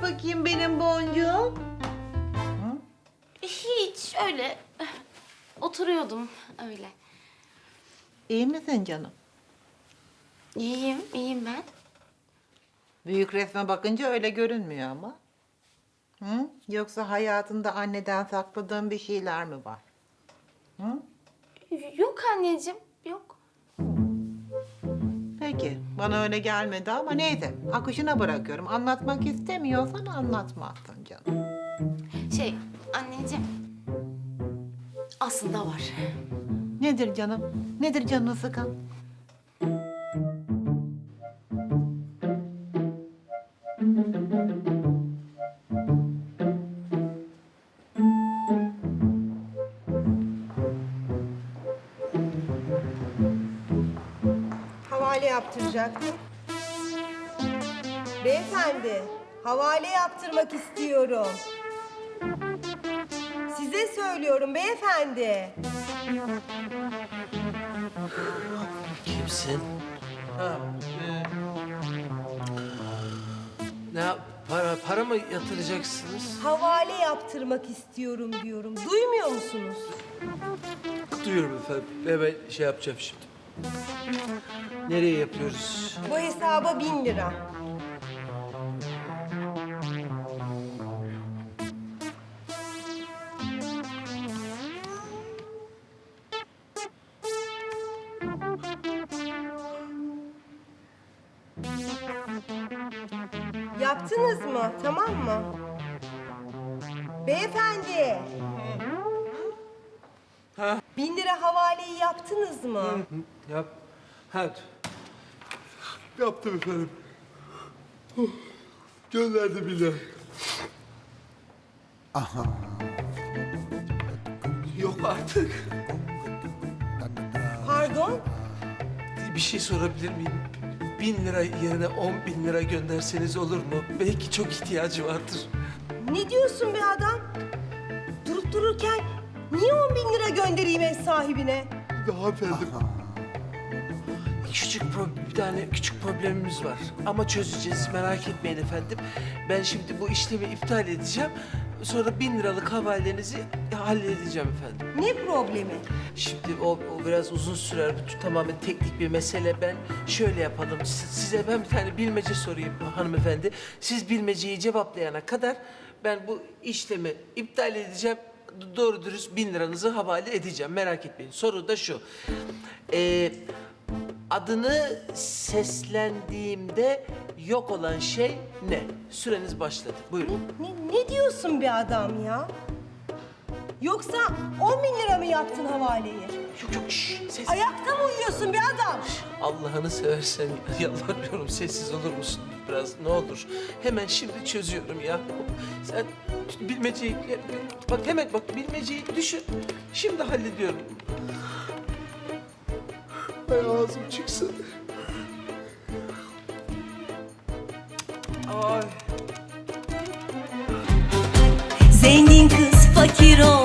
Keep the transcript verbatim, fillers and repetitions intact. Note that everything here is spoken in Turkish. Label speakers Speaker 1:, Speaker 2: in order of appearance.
Speaker 1: bakayım benim boncuğum?
Speaker 2: Hiç öyle. Oturuyordum öyle.
Speaker 1: İyi misin canım?
Speaker 2: İyiyim, iyiyim ben.
Speaker 1: Büyük resme bakınca öyle görünmüyor ama. Hı? Yoksa hayatında anneden sakladığın bir şeyler mi var? Hı?
Speaker 2: Yok anneciğim, yok.
Speaker 1: Peki, bana öyle gelmedi ama neyse. Akışına bırakıyorum. Anlatmak istemiyorsan anlatmazsın canım.
Speaker 2: Şey, anneciğim. Aslında var.
Speaker 1: Nedir canım? Nedir canını sıkan?
Speaker 3: Havale yaptıracaktım. Beyefendi, havale yaptırmak istiyorum. Size söylüyorum beyefendi.
Speaker 4: Kimsin? Ha, e, ne yap- para para mı yatıracaksınız?
Speaker 3: Havale yaptırmak istiyorum diyorum. Duymuyor musunuz?
Speaker 4: Duyuyorum efendim. Hemen şey yapacağım şimdi. Nereye yapıyoruz?
Speaker 3: Bu hesaba bin lira. Yaptınız mı? Tamam mı? Beyefendi.
Speaker 4: Ha?
Speaker 3: Bin lira havaleyi yaptınız mı?
Speaker 4: Hı, yap. Hadi. Yaptım efendim. Gönderdi bile. Yok artık.
Speaker 3: Pardon?
Speaker 4: Bir şey sorabilir miyim? Bin lira yerine on bin lira gönderseniz olur mu? Belki çok ihtiyacı vardır.
Speaker 3: Ne diyorsun be adam? Durup dururken niye on bin lira göndereyim ev sahibine?
Speaker 4: Daha efendim. Küçük pro- bir tane küçük problemimiz var. Ama çözeceğiz, merak etmeyin efendim. Ben şimdi bu işlemi iptal edeceğim. Sonra bin liralık havalenizi halledeceğim efendim.
Speaker 3: Ne problemi?
Speaker 4: Şimdi o, o biraz uzun sürer. Bu tamamen teknik bir mesele. Ben şöyle yapalım. Si- Size ben bir tane bilmece sorayım hanımefendi. Siz bilmeceyi cevaplayana kadar ben bu işlemi iptal edeceğim. D- Doğru dürüst bin liranızı havale edeceğim. Merak etmeyin. Soru da şu. Ee, adını seslendiğimde yok olan şey ne? Süreniz başladı. Buyurun.
Speaker 3: Ne, ne diyorsun be adam ya? Yoksa on bin lira mı yaptın havaleyi?
Speaker 4: Yok yok şşş, ses.
Speaker 3: Ayakta mı uyuyorsun be adam?
Speaker 4: Allah'ını seversen yalvarıyorum sessiz olur musun biraz ne olur. Hemen şimdi çözüyorum ya. Sen bilmeceyi bak hemen bak bilmeceyi düşün. Şimdi hallediyorum. Ay ağzım çıksın. Ay.
Speaker 5: Zengin kız fakir ol